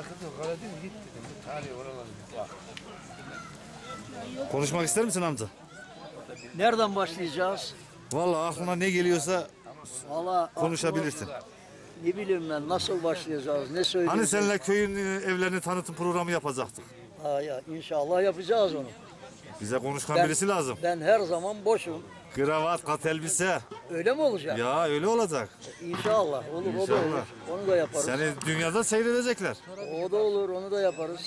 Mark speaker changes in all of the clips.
Speaker 1: Konuşmak ister misin amca?
Speaker 2: Nereden başlayacağız?
Speaker 1: Vallahi aklına ne geliyorsa
Speaker 2: Valla
Speaker 1: konuşabilirsin.
Speaker 2: ne bileyim ben nasıl başlayacağız, ne söyleyeceğiz?
Speaker 1: Hani seninle köyün evlerini tanıtım programı yapacaktık.
Speaker 2: Ha ya inşallah yapacağız onu.
Speaker 1: Bize konuşkan
Speaker 2: Ben-
Speaker 1: birisi lazım.
Speaker 2: Ben her zaman boşum.
Speaker 1: Kravat, kat elbise.
Speaker 2: Öyle mi olacak?
Speaker 1: Ya öyle olacak.
Speaker 2: İnşallah olur, o da
Speaker 1: İnşallah.
Speaker 2: olur. Onu da yaparız.
Speaker 1: Seni dünyada seyredecekler.
Speaker 2: O da olur, onu da yaparız.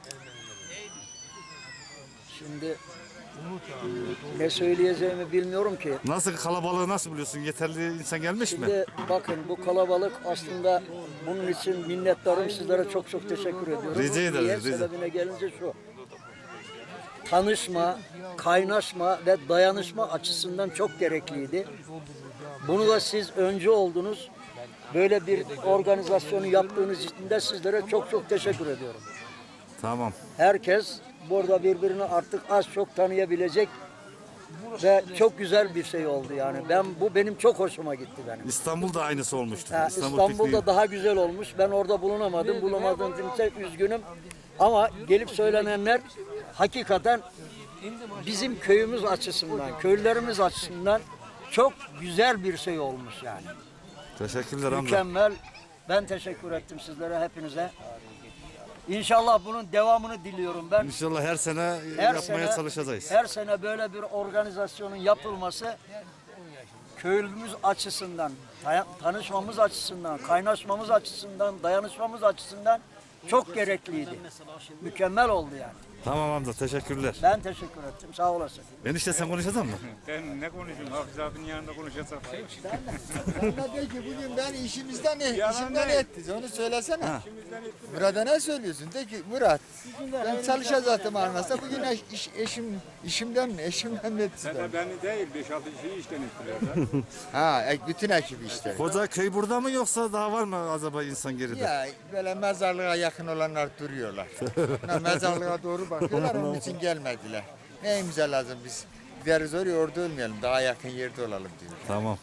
Speaker 2: Şimdi ne söyleyeceğimi bilmiyorum ki.
Speaker 1: Nasıl kalabalığı nasıl biliyorsun? Yeterli insan gelmiş mi?
Speaker 2: Şimdi bakın bu kalabalık aslında bunun için minnettarım, sizlere çok çok teşekkür ediyorum.
Speaker 1: Rica ederiz,
Speaker 2: Niye?
Speaker 1: rica.
Speaker 2: Sebebine gelince şu. Tanışma, kaynaşma ve dayanışma açısından çok gerekliydi. Bunu da siz önce oldunuz. Böyle bir organizasyonu yaptığınız için de sizlere çok çok teşekkür ediyorum.
Speaker 1: Tamam.
Speaker 2: Herkes burada birbirini artık az çok tanıyabilecek ve çok güzel bir şey oldu yani. Bu benim çok hoşuma gitti benim.
Speaker 1: İstanbul'da aynısı olmuştu.
Speaker 2: Ha, İstanbul'da
Speaker 1: pikniği.
Speaker 2: daha güzel olmuş. Ben orada bulunamadım. Bulamadığım için üzgünüm. Ama gelip söylenenler hakikaten bizim köyümüz açısından, köylülerimiz açısından çok güzel bir şey olmuş yani.
Speaker 1: Teşekkürler amca.
Speaker 2: Mükemmel. Ben teşekkür ettim sizlere, hepinize. İnşallah bunun devamını diliyorum ben.
Speaker 1: İnşallah her sene
Speaker 2: Her
Speaker 1: yapmaya
Speaker 2: sene-
Speaker 1: çalışacağız.
Speaker 2: Her sene böyle bir organizasyonun yapılması köylümüz açısından, tanışmamız açısından, kaynaşmamız açısından, dayanışmamız açısından çok gerekliydi. Mükemmel oldu yani.
Speaker 1: Tamam amca teşekkürler.
Speaker 2: Ben teşekkür ettim. Sağ olasın.
Speaker 1: Enişte sen konuşacak mısın?
Speaker 3: Ben ne konuşayım? Hafiz abinin yanında konuşacak bir şey yok.
Speaker 4: Bana de ki bugün ben işimden ettiniz. Onu söylesene. Murat'a ne söylüyorsun? De ki Murat ben çalışacaktım anlasam bugün işimden ettiniz.
Speaker 3: Beni değil 5-6 kişiyi işten ettiler.
Speaker 4: Ha bütün ekip işte.
Speaker 1: Koca köy burada mı yoksa daha var mı acaba insan geride?
Speaker 4: Ya böyle mezarlığa yakın olanlar duruyorlar. Mezarlığa doğru bakıyorlar onun için gelmediler. Neyimize lazım biz? Gideriz oraya orada ölmeyelim. Daha yakın yerde olalım diyor.
Speaker 1: Tamam.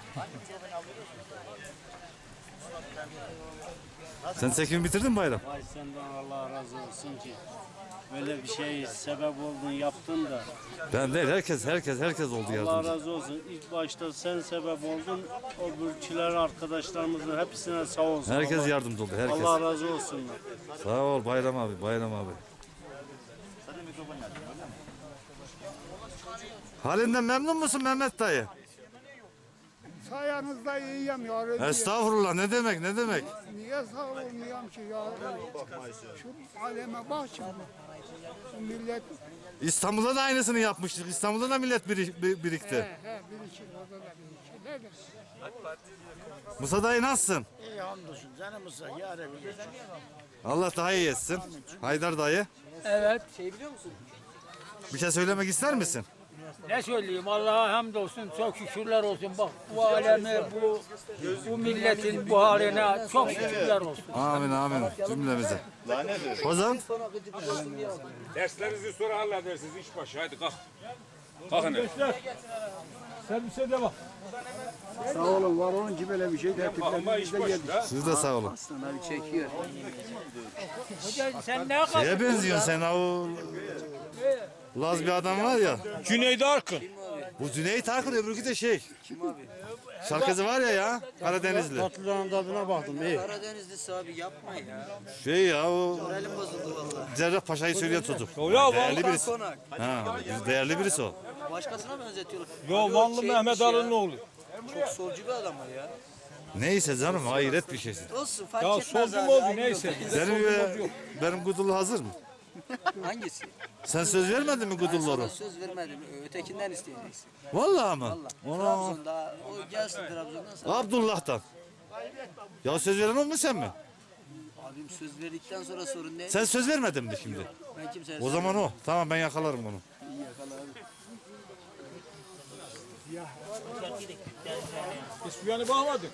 Speaker 1: Sen çekimi bitirdin mi bayram?
Speaker 5: Ay senden Allah razı olsun ki böyle bir şey sebep oldun yaptın da
Speaker 1: Ben değil herkes oldu
Speaker 5: Allah
Speaker 1: yardımcı.
Speaker 5: razı olsun. İlk başta sen sebep oldun. O bürçüler arkadaşlarımızın hepsine sağ olsun.
Speaker 1: Herkes
Speaker 5: Allah,
Speaker 1: yardımcı oldu herkes.
Speaker 5: Allah razı olsun.
Speaker 1: Sağ ol Bayram abi, Bayram abi. Halinden memnun musun Mehmet dayı?
Speaker 6: Sayenizde iyiyim ya.
Speaker 1: Estağfurullah ne demek ne demek?
Speaker 6: Niye sağ olmayayım ki ya? Şu aleme bak şimdi. Şu millet
Speaker 1: İstanbul'da da aynısını yapmıştık. İstanbul'da da millet birikti.
Speaker 6: bir iki orada da bir iki. Nedir?
Speaker 1: Musa dayı nasılsın?
Speaker 2: İyi hamdolsun canımıza yarın.
Speaker 1: Allah daha iyi etsin. Haydar dayı.
Speaker 7: Evet.
Speaker 1: Bir şey söylemek ister misin?
Speaker 7: Ne söyleyeyim? Allah'a hamdolsun. Çok şükürler olsun. Bak bu aleme, bu milletin bu haline çok şükürler olsun.
Speaker 1: Amin amin cümlemize. Hocam
Speaker 3: Derslerinizi sonra halledersiniz iş başı. Hadi kalk. Kalkın.
Speaker 7: Servise devam.
Speaker 6: Sağ olun var olun ki böyle bir şey
Speaker 3: Ama iş başında.
Speaker 1: siz de sağ olun.
Speaker 7: Hoca sen ne kadar?
Speaker 1: Şeye benziyorsun sen o Laz bir adam var ya.
Speaker 3: Cüneyt Arkın.
Speaker 1: Bu Cüneyt Arkın öbürkü de şey. Şarkıcı var ya Karadenizli.
Speaker 5: Tatlıların tadına baktım. İyi.
Speaker 8: Karadenizlisi abi yapma ya.
Speaker 1: Şey ya o
Speaker 8: Moralim bozuldu valla.
Speaker 1: Cerrahpaşa'yı söylüyor çocuk. Değerli birisi.
Speaker 8: Konak.
Speaker 1: Ha, değerli birisi o.
Speaker 8: Başkasına benzetiyorlar.
Speaker 3: Yo Vanlı Mehmet Ali'nin oğlu.
Speaker 8: Çok solcu bir adam o ya.
Speaker 1: Neyse canım hayret bir şeysin.
Speaker 8: Olsun fark
Speaker 3: Ya
Speaker 8: etmez
Speaker 3: solcu
Speaker 8: abi.
Speaker 3: mu oldu
Speaker 8: aynı
Speaker 3: neyse.
Speaker 8: yolda.
Speaker 1: Benim Gudullu hazır mı?
Speaker 8: Hangisi?
Speaker 1: Sen söz vermedin mi
Speaker 8: Ben
Speaker 1: Gudullu'na?
Speaker 8: sana söz vermedim. Ötekinden isteyeceksin.
Speaker 1: Vallahi mı?
Speaker 8: Valla. Trabzon'da o gelsin Trabzon'dan sana.
Speaker 1: Abdullah'tan. Ya söz veren o mu sen mi?
Speaker 8: Abim söz verdikten sonra sorun ne?
Speaker 1: Sen söz vermedin mi şimdi?
Speaker 8: Ben kimseye
Speaker 1: O zaman o. Tamam ben yakalarım onu.
Speaker 8: iyi yakala abi.
Speaker 3: Biz bu yana bağladık.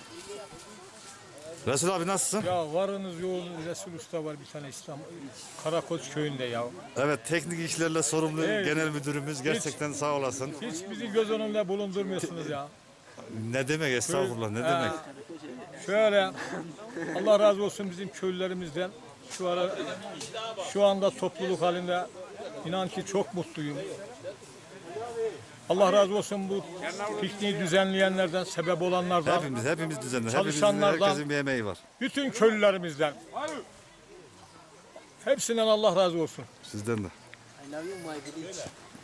Speaker 1: Resul abi nasılsın?
Speaker 3: Ya varınız yoğunuz Resul Usta var bir tane İstanbul. Karakoç köyünde ya.
Speaker 1: Evet teknik işlerle sorumlu
Speaker 3: Evet.
Speaker 1: genel müdürümüz gerçekten sağ olasın.
Speaker 3: Hiç bizi göz önünde bulundurmuyorsunuz ya.
Speaker 1: Ne demek estağfurullah ne demek.
Speaker 3: Şöyle Allah razı olsun bizim köylülerimizden. Şu anda topluluk halinde inan ki çok mutluyum. Allah razı olsun bu pikniği düzenleyenlerden, sebep olanlardan,
Speaker 1: Hepimiz düzenli.
Speaker 3: Çalışanlardan-
Speaker 1: Herkesin bir emeği var.
Speaker 3: bütün köylülerimizden. Hepsinden Allah razı olsun.
Speaker 1: Sizden de.
Speaker 8: I love you my village.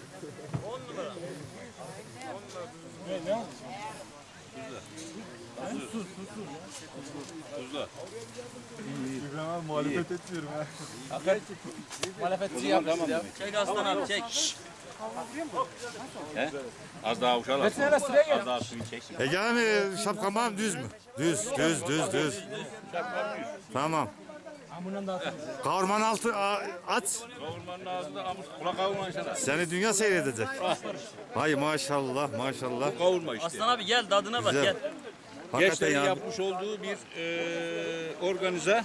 Speaker 7: Çek aslan abi çek.
Speaker 9: Az daha uşağı Az daha suyu çeksin.
Speaker 1: Ege abi şapkan var mı düz mü? Düz. Tamam. Kavurmanın altı aç.
Speaker 9: Kavurmanın ağzında amus kulak kavurma inşallah.
Speaker 1: Seni dünya seyredecek. Hay maşallah.
Speaker 9: Kavurma işte.
Speaker 7: Aslan abi gel tadına bak
Speaker 1: Güzel.
Speaker 7: gel.
Speaker 1: Hakikaten
Speaker 9: Gençlerin
Speaker 1: ya.
Speaker 9: yapmış olduğu bir organize.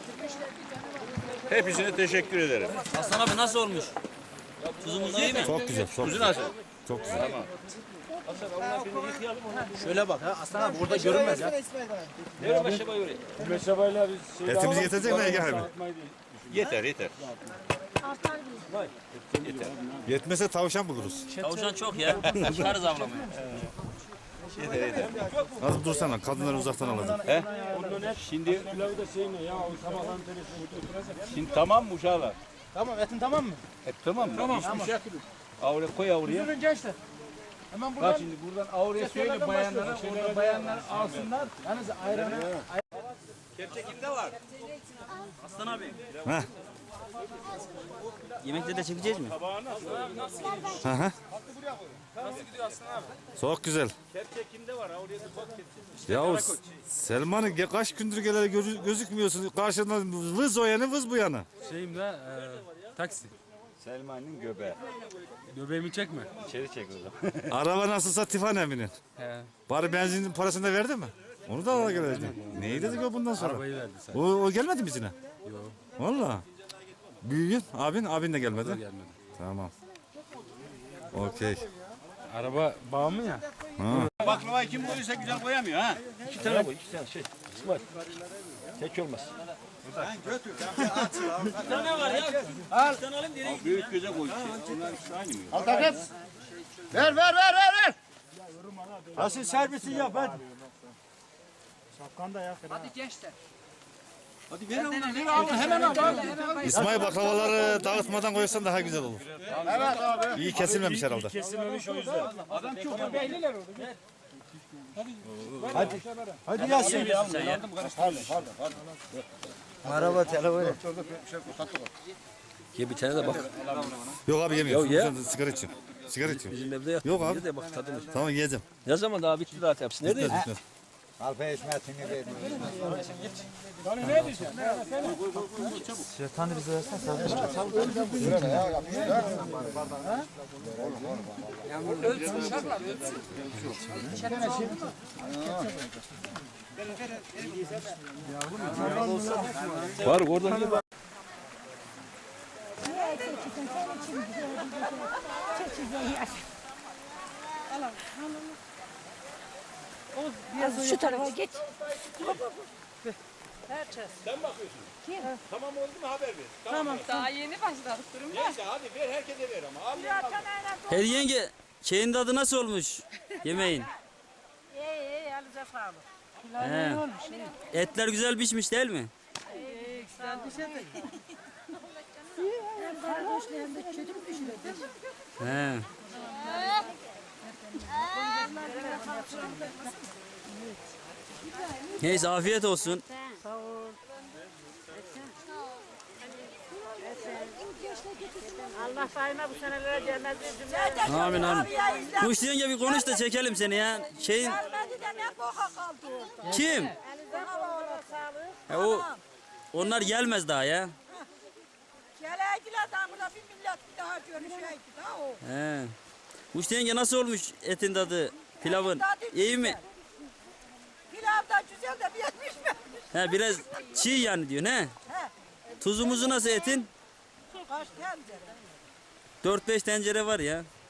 Speaker 9: Hepsine teşekkür ederim.
Speaker 7: Aslan abi nasıl olmuş? Tuzumuz iyi mi?
Speaker 1: Çok güzel.
Speaker 9: Kuzu nasıl?
Speaker 1: Çok güzel.
Speaker 8: Şöyle bak ha Aslan abi burada görünmez ya.
Speaker 1: Etimizi getirecek mi Ege abi?
Speaker 9: Yeter.
Speaker 1: Yetmese tavşan buluruz.
Speaker 7: Tavşan çok ya. Çıkarız avlamaya.
Speaker 1: Nasıl dursana kadınları uzaktan alacağım.
Speaker 9: Şimdi tamam mı uşağlar?
Speaker 8: Tamam etin tamam mı?
Speaker 9: Tamam. Hiçbir şey. Avre koy avruya.
Speaker 8: Buyurun gençler. Hemen
Speaker 9: Bak
Speaker 8: buradan
Speaker 9: şimdi buradan avruya söyle bayanlara. Orada bayanlar alsınlar.
Speaker 8: yalnız ayranı
Speaker 9: Kepçe kimde var?
Speaker 7: Aslan abi.
Speaker 1: Heh.
Speaker 7: Yemekte de çekeceğiz mi?
Speaker 1: Çok güzel.
Speaker 9: Kepçe kimde var? Avruya bir bak kepçe.
Speaker 1: Ya Selman'ın kaç gündür geleli gözükmüyorsun. Karşından vız o yanı vız bu yanı.
Speaker 10: Şeyimde taksi.
Speaker 9: Selman'ın göbeği.
Speaker 10: Göbeğimi çekme.
Speaker 9: İçeri çek o zaman.
Speaker 1: Araba nasılsa Tifan Emin'in.
Speaker 10: He.
Speaker 1: Bari benzin parasını da verdi mi? Onu da ala gelecek. Neyi dedik o bundan sonra?
Speaker 10: Arabayı verdi sen.
Speaker 1: O gelmedi mi bizine?
Speaker 10: Yok.
Speaker 1: Valla. Büyüğün abin de gelmedi.
Speaker 10: Gelmedi.
Speaker 1: Tamam. Okey.
Speaker 10: Araba bağımlı ya.
Speaker 9: Baklavayı kim koyuyorsa güzel koyamıyor ha.
Speaker 2: İki tane koy, iki tane şey. İsmail. Tek olmaz.
Speaker 7: Bir tane var ya. Bir tane alayım direkt.
Speaker 9: Büyük göze koy. Onlar ikisi aynı mı?
Speaker 4: Al takat. Ver. Asıl servisi yap hadi.
Speaker 1: İsmail baklavaları dağıtmadan koysan daha güzel olur.
Speaker 4: Evet abi.
Speaker 1: İyi kesilmemiş herhalde.
Speaker 10: Kesilmemiş o yüzden.
Speaker 4: Hadi Yasin. Araba telefonu.
Speaker 2: Ye bir tane de bak.
Speaker 1: Yok abi yemiyorum.
Speaker 2: Ya ye.
Speaker 1: Sen sigara içiyorum. Sigara içiyorum.
Speaker 2: Bizim evde yap.
Speaker 1: Yok abi.
Speaker 2: Ye de bak tadını.
Speaker 1: Tamam yiyeceğim.
Speaker 2: Ne zaman daha bitti zaten hepsi. Neredeydi?
Speaker 1: Bitmez.
Speaker 4: Alfa hizmetini ver.
Speaker 2: Var oradan ye bak.
Speaker 11: Şu tarafa geç.
Speaker 9: Sen bakıyorsun. Kim? Tamam oldu mu haber ver.
Speaker 11: Tamam. Daha yeni başladık durumda.
Speaker 9: Neyse hadi ver herkese ver ama. Abi.
Speaker 7: Hadi yenge. Şeyin tadı nasıl olmuş? Yemeğin.
Speaker 11: İyi elinize sağlık.
Speaker 7: He. Etler güzel pişmiş değil mi?
Speaker 11: Güzel bir şey de. Hem kardeşle hem de çocuk düşürdük.
Speaker 7: He. Neyse afiyet olsun.
Speaker 11: Sağ ol. Allah sayına bu senelere cennet versin.
Speaker 7: Amin amin. Kuş yenge bir konuş da çekelim seni ya. Şeyin
Speaker 11: Gelmedi de ne boka kaldı orada.
Speaker 7: kim?
Speaker 11: Elinize sağlık.
Speaker 7: Onlar gelmez daha ya.
Speaker 11: Geleydiler daha burada bir millet bir daha görüşeydi daha o.
Speaker 7: He. Kuş yenge nasıl olmuş etin tadı? Pilavın iyi mi?
Speaker 11: Pilav da güzel de bir yetmiş mi?
Speaker 7: He biraz çiğ yani diyor ne? Tuzumuzu nasıl etin?
Speaker 11: Kaç tencere?
Speaker 7: 4-5 tencere var ya.